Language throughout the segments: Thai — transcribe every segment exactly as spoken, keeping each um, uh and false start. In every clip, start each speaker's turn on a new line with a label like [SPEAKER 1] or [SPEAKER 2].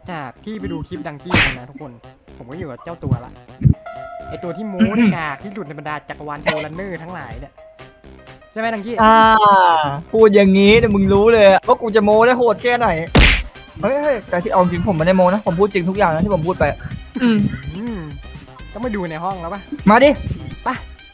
[SPEAKER 1] จากที่ไปดูคลิปดังกี้มานะทุกคนผมก็อยู่กับเจ้าตัวละไอตัวที่โม้ในกากที่หลุดในบรรดาจักรวาลเทเลเนอร์ทั้งหลายเนี่ยใช่ไหมดังกี้
[SPEAKER 2] อ่าพูดอย่างนี้เนี่ยมึงรู้เลยว่ากูจะโม้ได้โหดแค่ไหนเฮ้ยแต่ที่เอาจริงผมไม่ได้โม้นะผมพูดจริงทุกอย่างนะที่ผมพูดไปอืม
[SPEAKER 1] อืมต้องไปดูในห้องแล้วปะ
[SPEAKER 2] มาดิ
[SPEAKER 1] ไป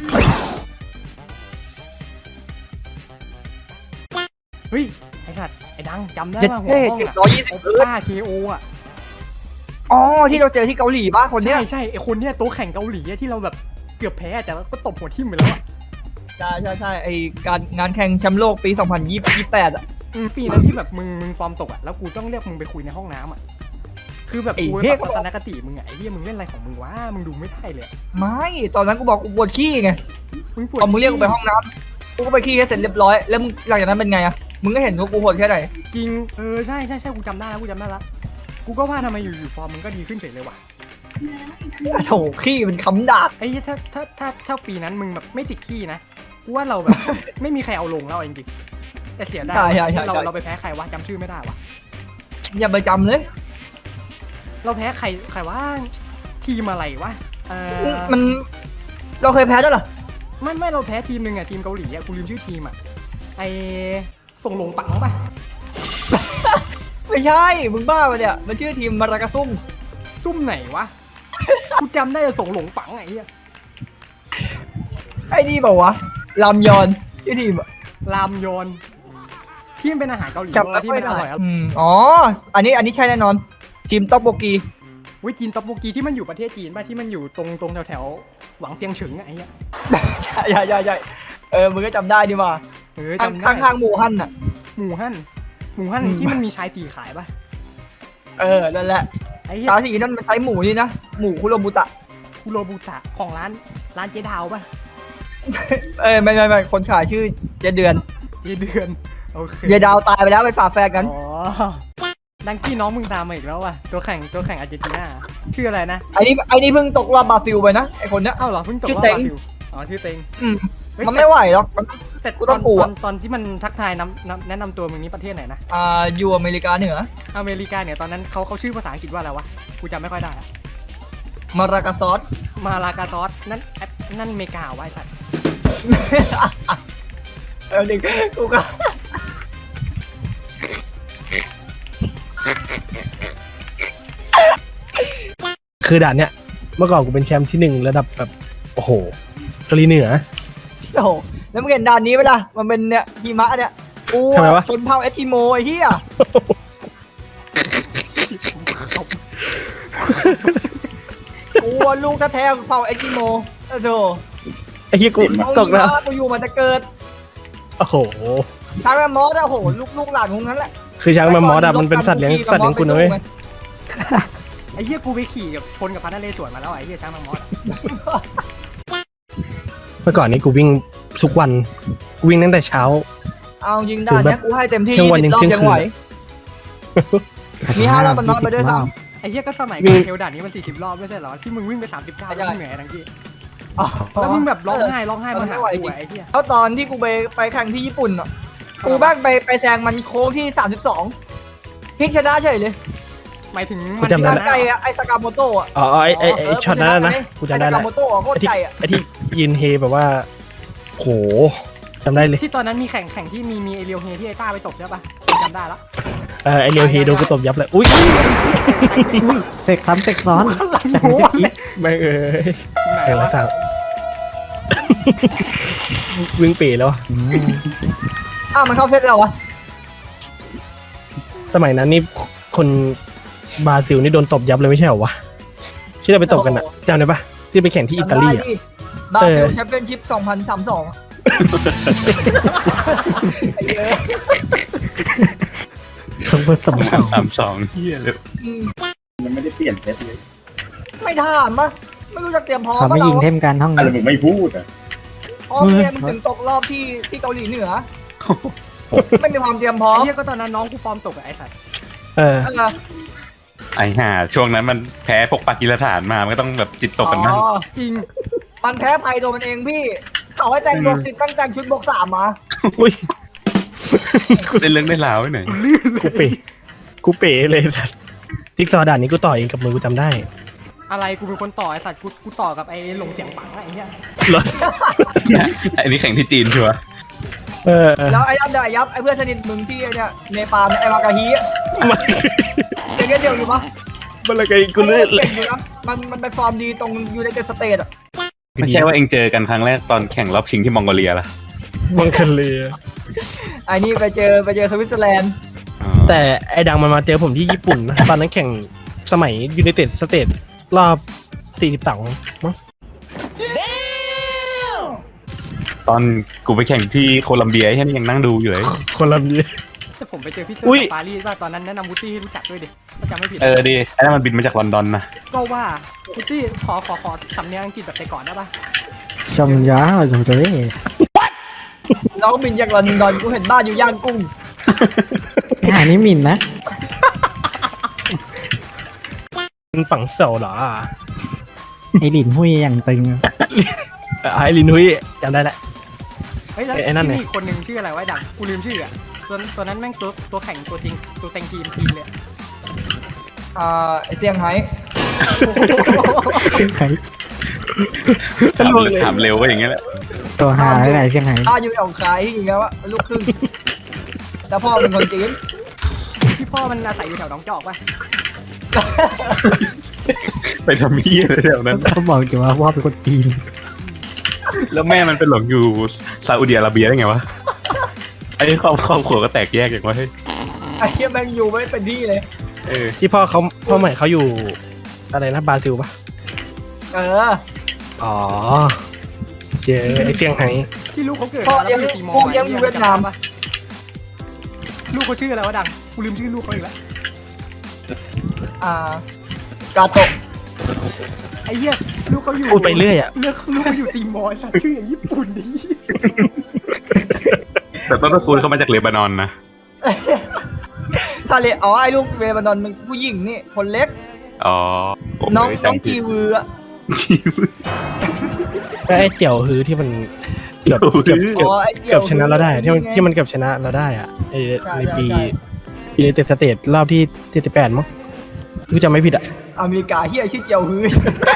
[SPEAKER 1] เฮ้ยไอ้สัตว์ไอ้ดังจำได้
[SPEAKER 2] เจ็ด
[SPEAKER 1] ป่ะหัว
[SPEAKER 2] เท่
[SPEAKER 1] ห้อง
[SPEAKER 2] เจ็ด
[SPEAKER 1] อะ
[SPEAKER 2] ร้อยยี่สิบ
[SPEAKER 1] โอ
[SPEAKER 2] เอิร์ธ
[SPEAKER 1] ป้าเคโออะ
[SPEAKER 2] อ๋อที่เราเจอที่เกาหลีป่ะคนเนี้ย
[SPEAKER 1] ใช่ใช่ไอ้คนเนี้ยตัวแข่งเกาหลีอะที่เราแบบเกือบแพ้แต่ว่าก็ตบหัวทิ่มไปแล้วอะ
[SPEAKER 2] ใช่ใช่ใช่ไอการงานแข่งแชมป์โลกปีสองพันยี่สิบแปดอ่ะ
[SPEAKER 1] อืมปีนั้นที่แบบมึงมึงฟอร์มตกอะแล้วกูต้องเรียกมึงไปคุยในห้องน้ำอะคือแบบกูแบบทัศนคติมึงอะไอ้เหี้ยมึงเล่นอะไรของมึงวะมึงดูไม่ได้เลย
[SPEAKER 2] ไม่ตอนนั้นกูบอกกูปวดขี้ไง
[SPEAKER 1] มึงปวด
[SPEAKER 2] พอมึงเรียกกูไปห้องน้ำกูก็ไปขี้ให้เสร็จเรียบร้อยแล้วมึงหลังจากนั้นเป็นไงอ่ะมึงก็เห็นว่ากูโหดแค่ไหน
[SPEAKER 1] จริงเออใช่ใช่ใช่กูจำได้แล้วกูจำได้แล้วกูก็ว่าทำไมอยู่อยู่ฟอร์มมึงก็ดีขึ้นเฉยเลยว่ะ
[SPEAKER 2] โถขี้เป็นคำดาบ
[SPEAKER 1] ไอ้เหี้ยถ้าถ้าถ้าถ้าปีนั้นมึงแบบไม่ติดขี้นะกูว่าเราแบบ ไม่มีใครเอาลงแล้วจริงๆแต่เสียดายเราเราไปแพ้ใครวะจำชื่อไม่ได้วะ
[SPEAKER 2] อย่าไปจำเลย
[SPEAKER 1] เราแพ้ใครใครว่าทีมอะไรวะเออ
[SPEAKER 2] มันเราเคยแพ้ด้วยเหรอ
[SPEAKER 1] ไม่ไม่เราแพ้ทีมหนึ่งอะทีมเกาหลีอะกูลืมชื่อทีมอะไอส่งลงปังปะ
[SPEAKER 2] ไม่ใช่มึงบ้าปะเนี่ยมันชื่อทีมมารากาซุ่ม
[SPEAKER 1] ซุ่มไหนวะ กูจำได้แต่ส่งหลงปังไอ้เหี้ย
[SPEAKER 2] ไอ้นี่บอกวะลามยอนชื่อทีมอะ
[SPEAKER 1] รามยอนที่มันเป็นอาหารเกาหลี
[SPEAKER 2] จำไม่
[SPEAKER 1] ที่
[SPEAKER 2] ค่อ
[SPEAKER 1] มั
[SPEAKER 2] ย
[SPEAKER 1] นอ
[SPEAKER 2] ได้
[SPEAKER 1] ร่อยอะ
[SPEAKER 2] อืมอ๋ออันนี้อันนี้ใช่แน่นอนทีมต๊อกโบกี
[SPEAKER 1] วิจีนตอปโปกีที่มันอยู่ประเทศจีนป่ะที่มันอยู่ตรงตรงแถวแถวๆหวังเซียงเฉิงอะไอ้เหี้ย
[SPEAKER 2] ใช่ใช่ใช่ใช่เออมึงก็จำได้ดีว่า
[SPEAKER 1] เออ
[SPEAKER 2] ข้าง
[SPEAKER 1] จำได้
[SPEAKER 2] ข้างข้างหมู่ฮั่นน่ะ
[SPEAKER 1] หมูฮั่นหมูฮั่น
[SPEAKER 2] อืม
[SPEAKER 1] ที่มันมีชายสี่ขายป่ะ
[SPEAKER 2] เออนั่นแหละ
[SPEAKER 1] ไอ้เหี้ย
[SPEAKER 2] ตาสีนั่นมันใช้หมูนี่นะหมูคุโรบุตะ
[SPEAKER 1] คุโรบุตะของร้านร้านเจดาวป่ะ
[SPEAKER 2] เออไม่ไม่ไม่คนขายชื่อเจเดือน
[SPEAKER 1] เยเดือนโอเค
[SPEAKER 2] เยดาวตายไปแล้วไปฝากแฟนกัน
[SPEAKER 1] อ๋อดังกี้น้องมึงตามมาอีกแล้วว่ะตัวแข่งตัวแข่งอาร์เจนตินาชื่ออะไรนะ
[SPEAKER 2] ไอ้นี่ไอ้นี่เพิ่งตกรอบบราซิลไปนะไอ้คนเนี้ย
[SPEAKER 1] เอ้าเหรอเพิ่งตก
[SPEAKER 2] ชื่
[SPEAKER 1] รอ
[SPEAKER 2] อบ เต็ง
[SPEAKER 1] บราซิลอ๋อชื่อเต็ง
[SPEAKER 2] อืม
[SPEAKER 1] เฮ้ย
[SPEAKER 2] มันไม่ไหวหรอกมัน
[SPEAKER 1] แต่
[SPEAKER 2] กู
[SPEAKER 1] ต
[SPEAKER 2] ต้
[SPEAKER 1] อ
[SPEAKER 2] อน งกลัว
[SPEAKER 1] ตอนตอนที่มันทักทายนำนำแนะนำตัวมึงนี้ประเทศไหนนะ
[SPEAKER 2] อ่าอยู่อเมริกาเหนือ
[SPEAKER 1] อเมริกาเนี่ยตอนนั้นเขาเขาชื่อภาษาอังกฤษว่าอะไรวะกูจำไม่ค่อยได้อะ
[SPEAKER 2] มารากาซอส
[SPEAKER 1] มาลากาซอสนั่นแอปนั่นเมกาไว้สัตว์
[SPEAKER 2] เออหนึ่งกูก็
[SPEAKER 3] คือด่านเนี้ยเมื่อก่อนกูเป็นแชมป์ที่หนึ่งระดับแบบโอ้โหเกาหลีเหนือ
[SPEAKER 2] โอ้โหแล้วมึงเห็นด่านนี้ไหมล่ะมันเป็นเนี่ยหิมะเนี่ยกู
[SPEAKER 3] ทำไมวะ
[SPEAKER 2] ชนเผ่าเอสกิโมไอ้เหี้ยกูลูกแท้ๆเผ่าเอสกิโมโอ้โห
[SPEAKER 3] ไอ้เหี้ยกูตกนะ
[SPEAKER 2] กูอยู่มาแต่เกิด
[SPEAKER 3] โอ้โห
[SPEAKER 2] ช้างแมมมอสอะโหลูกลูกหลานของนั้นแหละ
[SPEAKER 3] คือช้างแมมมอสอะมันเป็นสัตว์เลี้ยงสัตว์เลี้ยงกูนะเว้ย
[SPEAKER 1] ไอ้เหี้ยกูไปขี่กับชนกับพันธุ์นเรศวรมาแล้วไอ้เหี้ยช้างมังมอส
[SPEAKER 3] เมื่อก่อนนี้กูวิ่งทุกวันกูวิ่งตั้งแต่เช้า
[SPEAKER 2] เอายิงด่านเนี้ยกูให้เต็มที่
[SPEAKER 3] เที่ยงวัน
[SPEAKER 2] สิบรอบ
[SPEAKER 3] เที่ยง
[SPEAKER 2] ยัง
[SPEAKER 3] คืน
[SPEAKER 2] ไหวมีห้ารอบมันน้อยไปด้วยซ้
[SPEAKER 1] ไอ้เหี้ยก็สมัย
[SPEAKER 3] วิ่
[SPEAKER 1] ก่อน
[SPEAKER 3] ง
[SPEAKER 1] เทลด่านนี้มันสี่สิบรอบไม่ใช่เหรอที่มึงวิ่งไปสามสิบเก้า
[SPEAKER 2] ใช่
[SPEAKER 1] แล้วมึงเหนื่อยดังกี้
[SPEAKER 2] ำอ๋อ
[SPEAKER 1] แล้วมึงแบบร้องไห้ร้องไห้
[SPEAKER 2] เออ
[SPEAKER 1] มาหา
[SPEAKER 2] ไม่ไหว
[SPEAKER 1] กู
[SPEAKER 2] จริง
[SPEAKER 1] อะไอ้เหี้ย
[SPEAKER 2] แล้วตอนที่กูไปไปแข่งที่ญี่ปุ่นอ่ะกูบ้างไปไปแซงมันโค้งที่สามสิบสองพลิกชนะเฉยเลย
[SPEAKER 1] หมายถึง
[SPEAKER 3] กู
[SPEAKER 1] มัน
[SPEAKER 3] จำได้
[SPEAKER 2] ร่าง
[SPEAKER 1] ที่
[SPEAKER 2] ไกล
[SPEAKER 1] หน
[SPEAKER 2] อะไอสกาโมโตะอะ
[SPEAKER 3] อ๋อไอ้ไอ้ไอ้ช็อตนั้นนะกูจำได้
[SPEAKER 2] ไอส
[SPEAKER 3] แล้
[SPEAKER 2] กาว โมโตะโคตร
[SPEAKER 3] ไอ้ที่
[SPEAKER 2] ไกลอะ
[SPEAKER 3] ไอ้ที่ยืนเฮแบบว่าโหจำได้เลย
[SPEAKER 1] ที่ตอนนั้นมีแข่งแข่งที่มีมีเอเรียวเฮที่ไอ้ต้าไปตบใช่ปะจำได้ละ
[SPEAKER 3] เออไอเรียวเฮโดนกูตบยับเลยอุ้ย
[SPEAKER 4] เสกซ้ำเสกซ้อน
[SPEAKER 1] หลัง
[SPEAKER 4] จาก
[SPEAKER 1] หั
[SPEAKER 4] เมื่
[SPEAKER 1] ว
[SPEAKER 4] อกี้
[SPEAKER 3] แม่งเอ้ย
[SPEAKER 1] ไหน
[SPEAKER 3] ไอ้
[SPEAKER 1] วะ
[SPEAKER 3] ละสั่งวิ่งปีแล้วอะ
[SPEAKER 4] อืม
[SPEAKER 2] อ้าวมันเข้าเซตแล้ววะ
[SPEAKER 3] สมัยนั้นนี่คนบราซิลนี่โดนตบยับเลยไม่ใช่เหรอวะที่เราไปตบกันอะจำได้ปะที่ไปแข่งที่อิตาลีอะ
[SPEAKER 2] บราซิล
[SPEAKER 3] เออ
[SPEAKER 2] แชมเปี้ยนชิพสองพันสามสิบสองไอ้เหี้ย
[SPEAKER 4] ต้องผสมสอง
[SPEAKER 5] สามสองเฮียเลย
[SPEAKER 2] อืม
[SPEAKER 5] มันไม่ได้เปลี่ยนเซตเลย
[SPEAKER 2] ไม่ถามอะไม่รู้จะเตรียมพร้อม
[SPEAKER 4] เขาไม่
[SPEAKER 2] ปะ
[SPEAKER 4] ยิง
[SPEAKER 2] เรา
[SPEAKER 4] เทมกันห้อง
[SPEAKER 5] อะไร
[SPEAKER 4] นี้
[SPEAKER 5] มึงไม่พูดอ่ะ
[SPEAKER 2] พร้อมเนี่ยมึงถึงตกรอบที่ที่เกาหลีเหนือ ไม่มีความเตรียมพร้อ
[SPEAKER 1] ไอ้
[SPEAKER 2] ม
[SPEAKER 1] เหี้ยก็ตอนนั้นน้องกูฟอร์มตกอะไอ้สัตว์
[SPEAKER 3] เออ
[SPEAKER 2] เออ
[SPEAKER 5] ไอ้ห่าช่วงนั้นมันแพ้พวกปากีสถานมา มันก็ต้องแบบจิตตกกันมั้ง
[SPEAKER 2] อ๋อ
[SPEAKER 1] จริง
[SPEAKER 2] มันแพ้ภัยตัวมันเองพี่เขาให้แต่งบวกสิบตั้งแต่งชุดบวกสามมา
[SPEAKER 3] อุ้ย
[SPEAKER 5] ได้เรื่องได้ราวไว้หน่อย
[SPEAKER 3] กูเป๋กูเป๋เลยสัสติ๊กซอว์ด่านนี้กูต่อเองกับมือกูจำได้
[SPEAKER 1] อะไรกูเป็นคนต่อไอ้สัตว์กูกูต่อกับไอ้หลงเสียงปังอะไรเงี้ย
[SPEAKER 3] เหรอ
[SPEAKER 5] อันนี้แข่งที่จีนชัวร์
[SPEAKER 3] เออ
[SPEAKER 2] แล้วไอ้ยับเดี๋ยวไอ้ยับไอ้เพื่อนสนิทมึงที่ไอ้เนี่ยเนปาลไอ้มากาฮีอะยังเงี้ยเดียวอยู่ปะ
[SPEAKER 3] มันอะไรกันกูเลือดเลย
[SPEAKER 2] ก่งอยู่นะมันมันไปฟอร์มดีตรงยูไนเต็ดสเตทอะ
[SPEAKER 5] ไม่ใช่ว่าเองเจอกันครั้งแรกตอนแข่งรอบชิงที่มองโกเลียล่ะ
[SPEAKER 3] มังคันเลย
[SPEAKER 2] ไอ้นี่ไปเจอไปเจอสวิตเซอร์แลนด์
[SPEAKER 5] อ๋อ
[SPEAKER 3] แต่ไอ้ดังมันมาเจอผมที่ญี่ปุ่นนะ ตอนนั้นแข่งสมัยยูไนเต็ดสเตทรอบสี่สิบสองมั้ง
[SPEAKER 5] ตอนกูไปแข่งที่โคลัมเบียไอ้นี่ยังนั่งดูอยู่เลย
[SPEAKER 3] คนละนี้
[SPEAKER 1] แต่ผมไปเจอพี่เซอ
[SPEAKER 3] อุ้ย
[SPEAKER 1] ร์ปารีสว่าตอนนั้นแนะนำวูดดี้ให้รู้จักด้วยดิถ้าจำไม่ผิด
[SPEAKER 5] เออดีไอ้นั่นมันบินมาจากลอนดอนนะ
[SPEAKER 1] ก็ว่าวูดดี้ขอขอขอสำเนียงอังกฤษแบบแต่ก่อนได้ปะ
[SPEAKER 4] ชมยาชมตัวนี้
[SPEAKER 2] เราก็บินจากลอนดอนกูเห็นบ้านอยู่ย่างกุ้ง
[SPEAKER 4] อ่านี่หมินนะ
[SPEAKER 3] มันฝังเสาเหรอ
[SPEAKER 4] ไอหลินหุยอย่างตึง
[SPEAKER 3] เออไอ้ลินหุยจำได้แหละ
[SPEAKER 1] เฮ้ยแล้ว
[SPEAKER 3] ไอ้นั่น
[SPEAKER 1] ที่
[SPEAKER 3] ไง
[SPEAKER 1] มีอีกคนหนึ่งชื่ออะไรวะไอ้ดังกูลืมชื่ออะตัวตัวนั้นแม่งตัวตัวแข่งตัวจริงตัวเต็งทีมทีมเลย
[SPEAKER 2] อ่าไอเซี่ยงไฮ้
[SPEAKER 4] ใคร
[SPEAKER 5] ถามถามเร็วก็อย่างเงี้ยแหละ
[SPEAKER 4] ตัวหาอะไรเชียงไฮ้
[SPEAKER 2] อ้าอยู่ของขายอย่างเงี้ยวะลูกครึ่งแต่พ่อเป็นคนจีน
[SPEAKER 1] พี่พ่อมันอาศัยอยู่แถวหนองจอกปะ
[SPEAKER 5] ไปทำมี่อะไรแถวนั้น
[SPEAKER 4] เขาบอกอยู่ว่าว่าเป็นคนจีน
[SPEAKER 5] แล้วแม่มันเป็นหลงอยู่ซาอุดิอาระเบียได้ไงวะไอ้ครอบครอบครัวก็แตกแยกอย่างวะเฮ้ย
[SPEAKER 2] ไอ้เหี้ยแม่งอยู่ไม่เป็นที่เลย
[SPEAKER 5] เออ
[SPEAKER 3] ที่พ่อเขาพ่อใหม่เขาอยู่อะไรนะบราซิลปะ
[SPEAKER 2] เออ
[SPEAKER 3] อ๋อเจอไอ้เซี่ยงไฮ้
[SPEAKER 1] ที่ลูกเขาเกิด
[SPEAKER 2] พ่อ
[SPEAKER 1] มาแล้ว
[SPEAKER 2] เลี้ยง
[SPEAKER 1] อยู่ตีมอ
[SPEAKER 2] พ่อ
[SPEAKER 1] ร์
[SPEAKER 2] เลี้ยงอยู่เวียดนาม
[SPEAKER 1] ปะลูกเขาชื่ออะไรวะดังกูลืมชื่อลูกเขาอีกแล้ว
[SPEAKER 2] อ่ากาโตะ
[SPEAKER 1] ไอ้เหี้ยลูกเขาอยู่
[SPEAKER 3] พูดไปเรื่อยอ่ะ
[SPEAKER 1] เลือกลูกเขาอยู่ตีมอร์สัตว์ชื่ออย่างญี่ปุ่นดิ
[SPEAKER 5] แต่ต้นตระกูลเขามาจากเลบานอนนะ
[SPEAKER 2] ทะเลอ๋อไอ้ลูกเวบานอนมันผู้หญิงนี่คนเล็ก
[SPEAKER 5] อ๋อผม
[SPEAKER 2] น้อง
[SPEAKER 5] เลย
[SPEAKER 2] น้อง
[SPEAKER 5] จำผิ
[SPEAKER 2] กี
[SPEAKER 5] ด
[SPEAKER 2] วืออะ
[SPEAKER 5] จีวือ
[SPEAKER 3] แล้วไอ้เจียวฮือที่มันเกือบเกือบเกือบ
[SPEAKER 2] อ๋อไอ้
[SPEAKER 3] เกือบชนะเราได้ที่มัน
[SPEAKER 2] ไง
[SPEAKER 3] ที่มันเกือบชนะเราได้อ่ะไอ้
[SPEAKER 2] ใช่
[SPEAKER 3] ในปี
[SPEAKER 2] ใช่
[SPEAKER 3] ปีในเต็ดสเตทรอบที่เจ็ดสิบแปดมั้งคือจำไม่ผิดอ่ะ
[SPEAKER 2] อเมริกาเฮียชื่อเจียวฮือ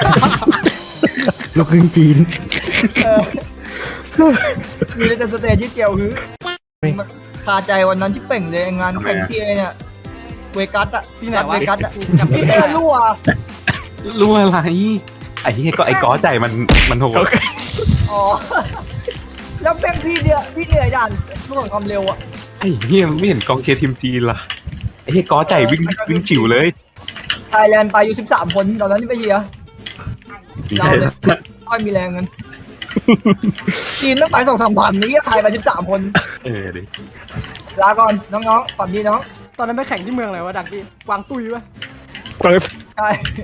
[SPEAKER 4] ลูกครึ่งจีน
[SPEAKER 2] เออมีในแต่สเตจชื่อเจียวฮือคาใจวันนั้นที่เป่งเลยงานแข่งที่ไอ้เนี่ยเวกัสอะ
[SPEAKER 1] ที่ไหน
[SPEAKER 2] รัฐ
[SPEAKER 1] วะ
[SPEAKER 2] เวกัสอะ
[SPEAKER 1] กูจำไม่
[SPEAKER 2] ที่
[SPEAKER 1] ได้
[SPEAKER 2] เออรั่ว
[SPEAKER 5] รู้อะไรไอ้ที่ก็ไอ้ก้อใจมันมันโหด
[SPEAKER 2] อ๋อแล้วแม่งพี่เนี่ยพี่เหนื่อยด่านเรื่องความเร็วอะ
[SPEAKER 5] ไอ้เฮียมึงไม่เห็นกองเชียร์ทีมจีนล่ะไอ้เฮียก้อใจวิ่งวิ่งฉิวเลย
[SPEAKER 2] ไทยแลนด์ไปอยู่สิบสามคนตอนนั้นที่ไปเฮีย เราเลย ค่อยมีแรงเงินจีนต้องไปสองสามพันนี้ไทยไปสิบสามคน
[SPEAKER 5] เออดิ
[SPEAKER 2] ลาก่อนน้องๆฝันดีน้อง
[SPEAKER 1] ตอนนั้นไปแข่งที่เมืองอะไรวะดังกี้กวางตุ้ยปะ
[SPEAKER 2] ใช่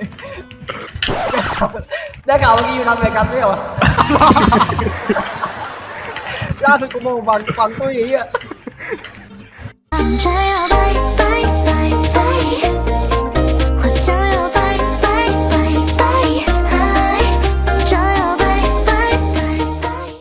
[SPEAKER 2] ได้ข่าวเมื่อกี้อยู่นันเวกัสไม่เหรอ ล่าสุดกูโมงฟังฟังตุ้ยไอ้เหี้ย
[SPEAKER 6] 紧张要